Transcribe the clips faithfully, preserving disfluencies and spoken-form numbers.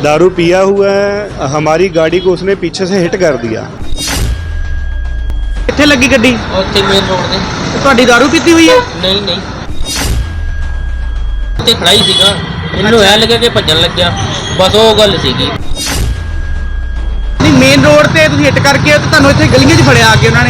दारू पिया हुआ है, हमारी गाड़ी को उसने पीछे से हिट कर दिया। ਕਿੱਥੇ ਲੱਗੀ ਗੱਡੀ? ਉੱਥੇ ਮੇਨ ਰੋਡ ਤੇ। ਤੁਹਾਡੀ दारू ਪੀਤੀ ਹੋਈ ਹੈ? ਨਹੀਂ ਨਹੀਂ ਉੱਥੇ ਖੜਾ ਹੀ ਸੀਗਾ, ਇਹਨੂੰ ਐ ਲੱਗਿਆ ਕਿ ਭੱਜਣ ਲੱਗਿਆ, ਬਸ ਉਹ ਗੱਲ ਸੀਗੀ। ਨਹੀਂ ਮੇਨ ਰੋਡ ਤੇ ਤੁਸੀਂ ਹਿੱਟ ਕਰਕੇ ਤੇ ਤੁਹਾਨੂੰ ਇੱਥੇ ਗਲੀਆਂ 'ਚ ਫੜਿਆ ਆ ਕੇ ਉਹਨਾਂ ਨੇ।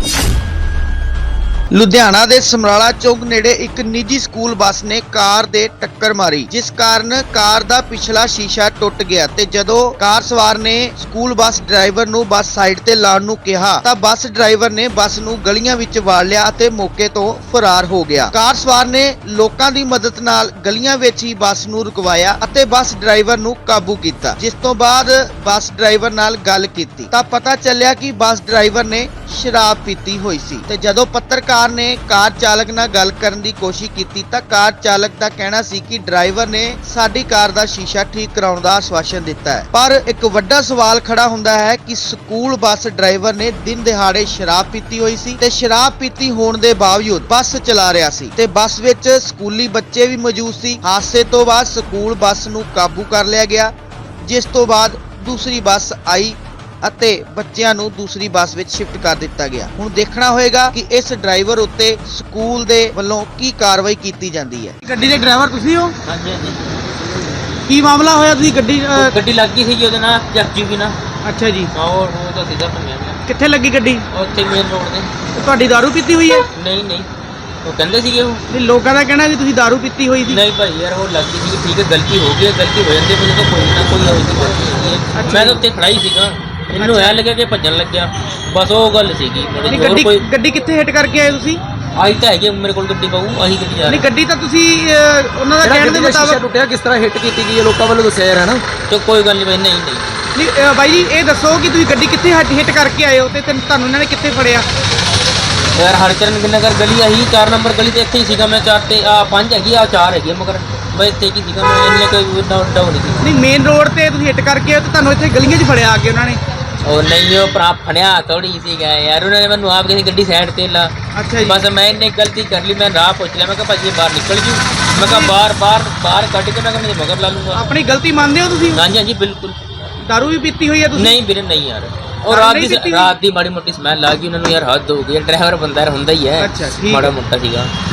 ਲੁਧਿਆਣਾ ਦੇ ਸਮਰਾਲਾ ਚੌਕ ਨੇੜੇ ਇੱਕ ਨਿੱਜੀ ਸਕੂਲ ਬੱਸ ਨੇ ਕਾਰ ਦੇ ਟੱਕਰ ਮਾਰੀ, ਜਿਸ ਕਾਰਨ ਕਾਰ ਦਾ ਪਿਛਲਾ ਸ਼ੀਸ਼ਾ ਟੁੱਟ ਗਿਆ ਤੇ ਜਦੋਂ ਕਾਰ ਸਵਾਰ ਨੇ ਸਕੂਲ ਬੱਸ ਡਰਾਈਵਰ ਨੂੰ ਬੱਸ ਸਾਈਡ ਤੇ ਲਾਉਣ ਨੂੰ ਕਿਹਾ ਤਾਂ ਬੱਸ ਡਰਾਈਵਰ ਨੇ ਬੱਸ ਨੂੰ ਗਲੀਆਂ ਵਿੱਚ ਵਾੜ ਲਿਆ ਅਤੇ ਮੌਕੇ ਤੋਂ ਫਰਾਰ ਹੋ ਗਿਆ। ਕਾਰ ਸਵਾਰ ਨੇ ਲੋਕਾਂ ਦੀ ਮਦਦ ਨਾਲ ਗਲੀਆਂ ਵਿੱਚ ਹੀ ਬੱਸ ਨੂੰ ਰੁਕਵਾਇਆ ਅਤੇ ਬੱਸ ਡਰਾਈਵਰ ਨੂੰ ਕਾਬੂ ਕੀਤਾ, ਜਿਸ ਤੋਂ ਬਾਅਦ ਬੱਸ ਡਰਾਈਵਰ ਨਾਲ ਗੱਲ ਕੀਤੀ ਤਾਂ ਪਤਾ ਚੱਲਿਆ ਕਿ ਬੱਸ ਡਰਾਈਵਰ ਨੇ ਸ਼ਰਾਬ ਪੀਤੀ ਹੋਈ ਸੀ ਤੇ ਜਦੋਂ ਪੱਤਰਕਾਰ ਨੇ ਕਾਰ ਚਾਲਕ ਨਾਲ ਗੱਲ ਕਰਨ ਦੀ ਕੋਸ਼ਿਸ਼ ਕੀਤੀ ਤਾਂ ਕਾਰ ਚਾਲਕ ਦਾ ਕਹਿਣਾ ਸੀ ਕਿ ਡਰਾਈਵਰ ਨੇ ਸਾਡੀ ਕਾਰ ਦਾ ਸ਼ੀਸ਼ਾ ਠੀਕ ਕਰਾਉਣ ਦਾ ਆਸ਼ਵਾਸਨ ਦਿੱਤਾ ਹੈ। ਪਰ ਇੱਕ ਵੱਡਾ ਸਵਾਲ ਖੜਾ ਹੁੰਦਾ ਹੈ ਕਿ ਸਕੂਲ ਬੱਸ ਡਰਾਈਵਰ ਨੇ ਦਿਨ ਦਿਹਾੜੇ ਸ਼ਰਾਬ ਪੀਤੀ ਹੋਈ ਸੀ ਤੇ ਸ਼ਰਾਬ ਪੀਤੀ ਹੋਣ ਦੇ ਬਾਵਜੂਦ ਬੱਸ ਚਲਾ ਰਿਹਾ ਸੀ ਤੇ ਬੱਸ ਵਿੱਚ ਸਕੂਲੀ ਬੱਚੇ ਵੀ ਮੌਜੂਦ ਸੀ। ਹਾਦਸੇ ਤੋਂ ਬਾਅਦ ਸਕੂਲ ਬੱਸ ਨੂੰ ਕਾਬੂ ਕਰ ਲਿਆ ਗਿਆ, ਜਿਸ ਤੋਂ ਬਾਅਦ ਦੂਸਰੀ ਬੱਸ ਆਈ ਅਤੇ ਬੱਚਿਆਂ ਨੂੰ ਦੂਸਰੀ ਬੱਸ ਵਿੱਚ ਸ਼ਿਫਟ ਕਰ ਦਿੱਤਾ ਗਿਆ। ਹੁਣ ਦੇਖਣਾ ਹੋਏਗਾ ਕਿ ਇਸ ਡਰਾਈਵਰ ਉੱਤੇ ਸਕੂਲ ਦੇ ਵੱਲੋਂ ਕੀ ਕਾਰਵਾਈ ਕੀਤੀ ਜਾਂਦੀ ਹੈ। ਗੱਡੀ ਦੇ ਡਰਾਈਵਰ ਤੁਸੀਂ ਹੋ? ਹਾਂਜੀ ਹਾਂਜੀ। ਕੀ ਮਾਮਲਾ ਹੋਇਆ? ਤੁਸੀਂ ਗੱਡੀ ਉਹ ਗੱਡੀ ਲੱਗ ਗਈ ਸੀ ਉਹਦੇ ਨਾਲ ਚੱਕੀ ਵੀ ਨਾ। ਅੱਛਾ ਜੀ, ਹਾਂ ਉਹ ਉਹ ਤਾਂ ਸਿੱਧਾ ਭੰਨਿਆ ਗਿਆ। ਕਿੱਥੇ ਲੱਗੀ ਗੱਡੀ? ਉੱਥੇ ਮੇਨ ਰੋਡ ਤੇ। ਤੁਹਾਡੀ दारू ਪੀਤੀ ਹੋਈ ਹੈ? ਨਹੀਂ ਨਹੀਂ ਉਹ ਕਹਿੰਦੇ ਸੀਗੇ ਉਹ। ਨਹੀਂ ਲੋਕਾਂ ਦਾ ਕਹਿਣਾ ਕਿ ਤੁਸੀਂ दारू ਪੀਤੀ ਹੋਈ ਸੀ। ਨਹੀਂ ਭਾਈ ਯਾਰ ਉਹ ਲੱਗ ਗਈ ਸੀ, ਠੀਕ ਹੈ ਗਲਤੀ ਹੋ ਗਈ ਹੈ, ਗਲਤੀ ਹੋ ਜਾਂਦੀ ਹੈ, ਮੈਨੂੰ ਤਾਂ ਕੋਈ ਨਾ ਕੋਈ ਹੋਈ ਸੀ ਗਲਤੀ ਹੋਈ ਹੈ। ਮੈਂ ਤਾਂ ਉੱਥੇ ਖੜਾ ਹੀ ਸੀਗਾ, ਇਹਨੂੰ ਐ ਲੱਗਿਆ ਕਿ ਭੱਜਣ ਲੱਗਿਆ, ਬਸ ਉਹ ਗੱਲ ਸੀਗੀ। ਨਹੀਂ ਹੋਰ ਗੱਡੀ ਕੋਈ ਗੱਡੀ ਕਿੱਥੇ ਹਿੱਟ ਕਰਕੇ ਆਏ ਤੁਸੀਂ? ਆਹੀ ਤਾਂ ਹੈਗੀ ਮੇਰੇ ਕੋਲ ਗੱਡੀ ਪਾਉ, ਆਹੀ ਗੱਡੀ ਜਾ ਨਹੀਂ ਰਹੀ। ਗੱਡੀ ਤਾਂ ਤੁਸੀਂ ਅਹ, ਉਹਨਾਂ ਦਾ ਕਹਿਣ ਦੇ ਮੁਤਾਬਕ ਟੁੱਟਿਆ ਕਿਸ ਤਰ੍ਹਾਂ ਹਿੱਟ ਕੀਤੀ ਗਈ ਹੈ ਲੋਕਾਂ ਵੱਲੋਂ ਦੱਸਿਆ ਯਾਰ ਹੈ ਨਾ। ਤੇ ਕੋਈ ਗੱਲ ਨਹੀਂ ਭਾਈ, ਨਹੀਂ ਨਹੀਂ ਨਹੀਂ ਅਹ, ਬਾਈ ਜੀ ਇਹ ਦੱਸੋ ਕਿ ਤੁਸੀਂ ਗੱਡੀ ਕਿੱਥੇ ਹਿੱਟ ਕਰਕੇ ਆਏ ਹੋ ਤੇ ਤੈਨੂੰ- ਤੁਹਾਨੂੰ ਇਹਨਾਂ ਨੇ ਕਿੱਥੇ ਫੜਿਆ? ਯਾਰ ਹਰਚਰਨ ਨਗਰ ਗਲੀ ਆਹੀ ਚਾਰ ਨੰਬਰ ਗਲੀ ਤੇ ਇੱਥੇ ਹੀ ਸੀਗਾ ਮੈਂ। ਚਾਰ ਤੇ ਆ ਪੰਜ ਹੈਗੀ ਆ ਚਾਰ ਹੈਗੀ ਆ, ਮਗਰ ਮੈਂ ਇੱਥੇ ਕੀ ਸੀਗਾ, ਮੈਂ ਇੰਨੇ ਕੋਈ ਡਾਊਨ ਡਾਊਨ ਨਹੀਂ ਸੀ। ਨਹੀਂ ਮੇਨ ਰੋਡ ਤੇ ਤੁਸੀਂ ਹਿੱਟ ਕਰਕੇ ਆਏ ਤੇ ਤੁਹਾਨੂੰ ਇੱਥੇ ਗਲੀਆਂ 'ਚ ਫੜਿਆ ਆ ਕੇ ਉਹਨਾਂ ਨੇ। ਉਹ ਨਹੀਂ ਉਹ ਭਰਾ ਫੜਿਆ ਥੋੜੀ ਸੀਗਾ ਯਾਰ, ਉਹਨਾਂ ਨੇ ਮੈਨੂੰ ਆਪ ਕਹਿੰਦੀ ਗੱਡੀ ਸਾਈਡ ਤੇ ਲਾ। ਅੱਛਾ ਜੀ। ਬਸ ਮੈਂ ਇੰਨੀ ਗਲਤੀ ਕਰ ਲਈ, ਮੈਂ ਰਾਹ ਪੁੱਛ ਲਿਆ, ਮੈਂ ਕਿਹਾ ਭਾਜੀ ਬਾਹਰ ਨਿਕਲ ਜੂ, ਮੈਂ ਕਿਹਾ ਬਾਹਰ ਬਾਹਰ ਬਾਹਰ ਕੱਢ ਕੇ ਮੈਂ ਕਿਹਾ ਮੇਰੇ ਮਗਰ ਲਾ ਲੂੰਗਾ। ਆਪਣੀ ਗਲਤੀ ਮੰਨਦੇ ਹੋ ਤੁਸੀਂ? ਹਾਂਜੀ ਹਾਂਜੀ ਬਿਲਕੁਲ। दारू ਵੀ ਪੀਤੀ ਹੋਈ ਹੈ ਤੁਸੀਂ? ਨਹੀਂ ਵੀਰੇ ਨਹੀਂ ਯਾਰ, ਉਹ ਦਾਰੂ ਰਾਤ ਨਹੀਂ ਦੀ ਪੀਤੀ? ਰਾਤ ਦੀ ਮਾੜੀ ਮੋਟੀ ਸਮੈਲ ਲੱਗ ਗਈ ਉਹਨਾਂ ਨੂੰ ਯਾਰ, ਹੱਦ ਹੋ ਗਈ। ਡਰਾਈਵਰ ਬੰਦਾ ਯਾਰ ਹੁੰਦਾ ਹੀ ਹੈ, ਅੱਛਾ, ਠੀਕ ਮਾੜਾ ਹੈ। ਮੋਟਾ ਸੀਗਾ।